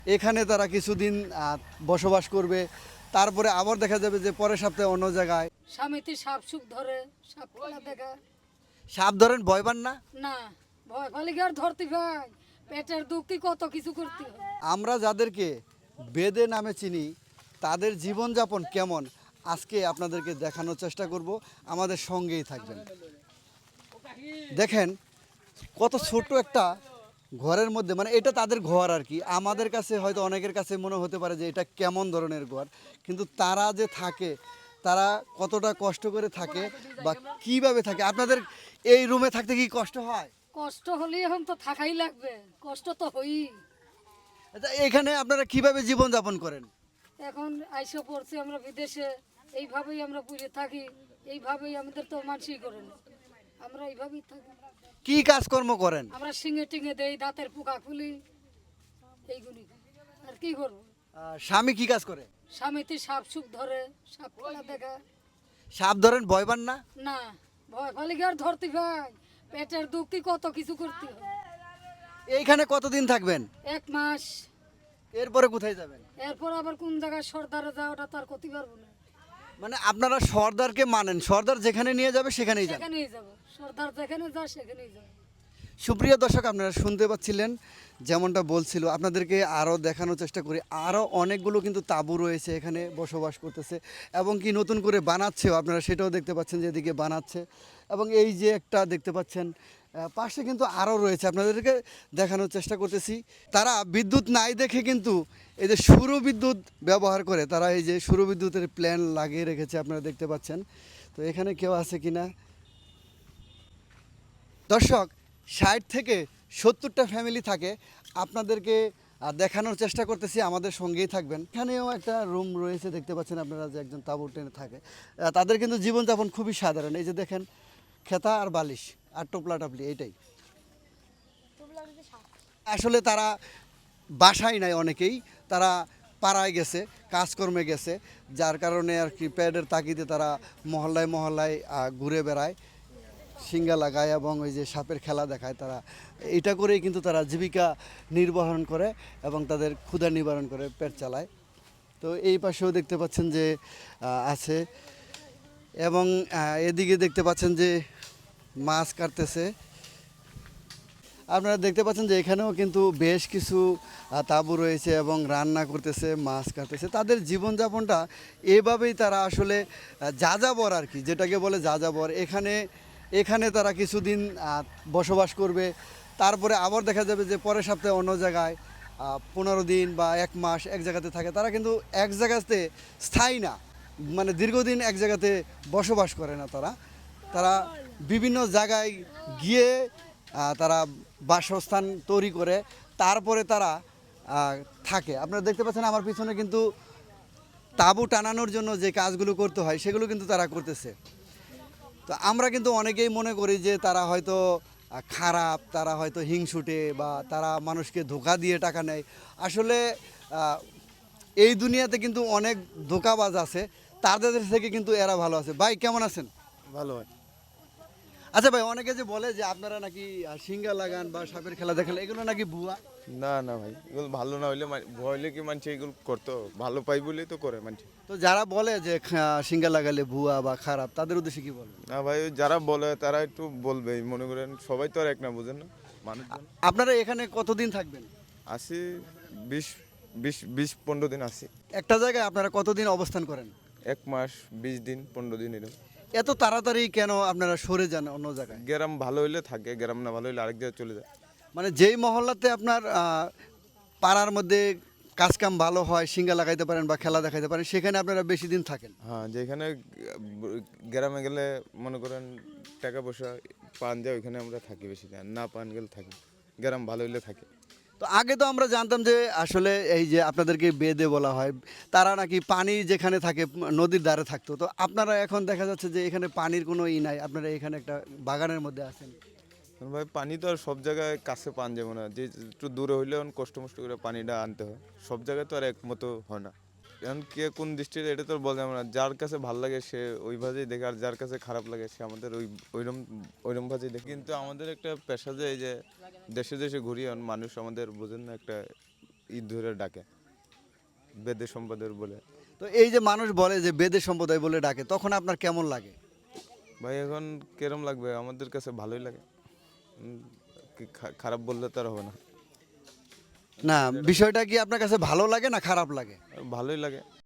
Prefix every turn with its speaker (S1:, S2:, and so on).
S1: এখানে তারা কিছুদিন বসবাস করবে, তারপরে আবার দেখা যাবে যে পরের সপ্তাহে অন্য জায়গায়।
S2: স্বামীতে সাপ সুপ ধরে, সাপ খেলা দেখা।
S1: সাপ ধরেন, ভয় পান না?
S2: না, ভয় পালে কি আর ধরতে ভাই, পেটের দুঃখে কত কিছু করতে হয়।
S1: আমরা যাদেরকে বেদে নামে চিনি তাদের জীবনযাপন কেমন আজকে আপনাদেরকে দেখানোর চেষ্টা করব, আমাদের সঙ্গেই থাকবেন। দেখেন কত ছোট একটা ঘরের মধ্যে, মানে এটা তাদের ঘর আর কি। আমাদের কাছে হয়তো অনেকের কাছে মনে হতে পারে যে এটা কেমন ধরনের ঘর, কিন্তু তারা যে থাকে, তারা কতটা কষ্ট করে থাকে বা কিভাবে থাকে। আপনাদের এই রুমে থাকতে কি কষ্ট হয়?
S2: কষ্ট হলে এখন তো থাকাই লাগবে, কষ্ট তো হই।
S1: আচ্ছা, এখানে আপনারা কিভাবে জীবনযাপন করেন?
S2: এখন আইসে পড়ছি আমরা বিদেশে, এইভাবেই আমরা পুড়ে থাকি, এইভাবেই আমাদের তো মানসিক করে না, আমরা এইভাবেই থাকি।
S1: কি কাজকর্ম করেন?
S2: আমরা শিঙে টিঙে দেই, দাঁতের পোকা খুলি, এইগুলি আর কি করবো।
S1: স্বামী কি কাজ করে?
S2: স্বামীতে সাপ সুপ ধরে, সাপ খেলা দেখা।
S1: সাপ ধরেন, ভয় পান না?
S2: না, ভয় পালে কি আর ধরতে ভাই, পেটের দুঃখে কত কিছু করতে হয়।
S1: এইখানে কতদিন থাকবেন?
S2: 1 মাস।
S1: এরপরে কোথায় যাবেন?
S2: এরপর আবার কোন জায়গায় সর্দারে যাওয়াটা তো আর করতে পারবো না।
S1: মানে আপনারা সর্দারকে মানেন, সর্দার যেখানে নিয়ে যাবে সেখানেই যান?
S2: সেখানেই যাবো, সর্দার যেখানে যায় সেখানেই যাবো।
S1: সুপ্রিয় দর্শক, আপনারা শুনতে পাচ্ছিলেন যেমনটা বলছিল, আপনাদেরকে আরও দেখানোর চেষ্টা করি। আরও অনেকগুলো কিন্তু তাঁবু রয়েছে, এখানে বসবাস করতেছে এবং কি নতুন করে বানাচ্ছেও। আপনারা সেটাও দেখতে পাচ্ছেন যে এদিকে বানাচ্ছে। এবং এই যে একটা দেখতে পাচ্ছেন পাশে কিন্তু আরও রয়েছে, আপনাদেরকে দেখানোর চেষ্টা করতেছি। তারা বিদ্যুৎ নাই দেখে কিন্তু এই যে সৌর বিদ্যুৎ ব্যবহার করে, তারা এই যে সৌর বিদ্যুতের প্ল্যান লাগিয়ে রেখেছে, আপনারা দেখতে পাচ্ছেন। তো এখানে কেউ আছে কিনা দর্শক, 60 থেকে 70টা ফ্যামিলি থাকে, আপনাদেরকে দেখানোর চেষ্টা করতেছি, আমাদের সঙ্গেই থাকবেন। এখানেও একটা রুম রয়েছে, দেখতে পাচ্ছেন আপনারা যে একজন তাঁবু টেনে থাকে। তাদের কিন্তু জীবনযাপন খুবই সাধারণ। এই যে দেখেন, খেতা আর বালিশ আর টোপলা টাপলি, এইটাই আসলে। তারা বাসায় নাই অনেকেই, তারা পাড়ায় গেছে, কাজকর্মে গেছে, যার কারণে আর কি প্যাডের তাগিদে তারা মহল্লায় মহল্লায় ঘুরে বেড়ায়, সিঙ্গা লাগায় এবং ওই যে সাপের খেলা দেখায়। তারা এটা করেই কিন্তু তারা জীবিকা নির্বাহন করে এবং তাদের ক্ষুধা নিবারণ করে, পেট চালায়। তো এই পাশেও দেখতে পাচ্ছেন যে আছে, এবং এদিকে দেখতে পাচ্ছেন যে মাছ কাটতেছে। আপনারা দেখতে পাচ্ছেন যে এখানেও কিন্তু বেশ কিছু তাঁবু রয়েছে এবং রান্না করতেছে, মাছ কাটতেছে। তাদের জীবনযাপনটা এভাবেই তারা আসলে যাযাবর আর কি, যেটাকে বলে যাযাবর। এখানে তারা কিছুদিন বসবাস করবে, তারপরে আবার দেখা যাবে যে পরের সপ্তাহে অন্য জায়গায় 15 দিন বা 1 মাস এক জায়গাতে থাকে। তারা কিন্তু এক জায়গাতে স্থায়ী না, মানে দীর্ঘদিন এক জায়গাতে বসবাস করে না। তারা তারা বিভিন্ন জায়গায় গিয়ে তারা বাসস্থান তৈরি করে, তারপরে তারা থাকে। আপনারা দেখতে পাচ্ছেন আমার পিছনে কিন্তু তাঁবু টানানোর জন্য যে কাজগুলো করতে হয় সেগুলো কিন্তু তারা করতেছে। তো আমরা কিন্তু অনেকেই মনে করি যে তারা হয়তো খারাপ, তারা হয়তো হিংসুটে, বা তারা মানুষকে ধোঁকা দিয়ে টাকা নেয়। আসলে এই দুনিয়াতে কিন্তু অনেক ধোঁকাবাজ আছে, তাদের থেকে কিন্তু এরা ভালো আছে। ভাই কেমন আছেন?
S3: ভালো হয়।
S1: আচ্ছা ভাই, অনেকে যে বলে যে আপনারা নাকি সিঙ্গা লাগান বা সাপের খেলা দেখান, এগুলো নাকি ভুয়া?
S3: না না ভাই, এগুলো ভালো না হইলে ভয় হইলে কি মানুষ এগুলো করতো? ভালো পাই বলেই তো করে মানুষ।
S1: তো যারা বলে যে সিঙ্গা লাগালে ভুয়া বা খারাপ, তাদের উদ্দেশ্যে কি বলবেন?
S3: না ভাই, ওই যারা বলে তারা একটু বলবেই, মনে করেন সবাই তো আর এক না, বুঝেন না মানুষজন।
S1: আপনারা এখানে কতদিন থাকবেন?
S3: আসি 20-15 দিন আসি।
S1: একটা জায়গায় আপনারা কতদিন অবস্থান করেন?
S3: 1 মাস 20 দিন 15 দিন এরকম।
S1: এত তাড়াতাড়ি কেন আপনারা সরে যান অন্য জায়গায়?
S3: গ্রাম ভালো হইলে থাকে, গ্রাম না ভালো হইলে আরেক জায়গায় চলে যায়।
S1: মানে যেই মহল্লাতে আপনার পাড়ার মধ্যে কাজকাম ভালো হয়, সিঙ্গা লাগাইতে পারেন বা খেলা দেখাইতে পারেন, সেখানে আপনারা বেশি দিন থাকেন।
S3: হ্যাঁ, যেখানে গ্রামে গেলে মনে করেন টাকা পয়সা পান যায়, ওইখানে আমরা থাকি বেশি দিন। না পান গেলে থাকি, গ্রাম ভালো হইলে থাকি।
S1: তো আগে তো আমরা জানতাম যে আসলে এই যে আপনাদেরকে বেদে বলা হয়, তারা নাকি পানি যেখানে থাকে নদীর ধারে থাকতো। তো আপনারা এখন দেখা যাচ্ছে যে এখানে পানির কোনো নাই, আপনারা এখানে একটা বাগানের মধ্যে আছেন।
S3: কারণ ভাই পানি তো আর সব জায়গায় কাছে পান যাবে না, যে একটু দূরে হইলে কষ্ট মষ্ট করে পানিটা আনতে হয়। সব জায়গায় তো আর একমতো হয় না। এখন কে কোন দৃষ্টিতে এটা তো আর বলা যাবে না। যার কাছে ভালো লাগে সে ওইভাবেই দেখে, আর যার কাছে খারাপ লাগে সে আমাদের ওইরকম ভাবেই দেখে। কিন্তু আমাদের একটা পেশা যে এই যে দেশে দেশে ঘুরি, মানুষ আমাদের বোঝেন না, একটা ঈদ ধরে ডাকে বেদে সম্প্রদায়ের বলে।
S1: তো এই যে মানুষ বলে যে বেদের সম্প্রদায় বলে ডাকে, তখন আপনার কেমন লাগে?
S3: ভাই এখন কেরম লাগবে, আমাদের কাছে ভালোই লাগে। খারাপ বললে তো আর হবে না,
S1: না, বিষয়টা কি আপনার কাছে ভালো লাগে না খারাপ লাগে?
S3: ভালোই লাগে।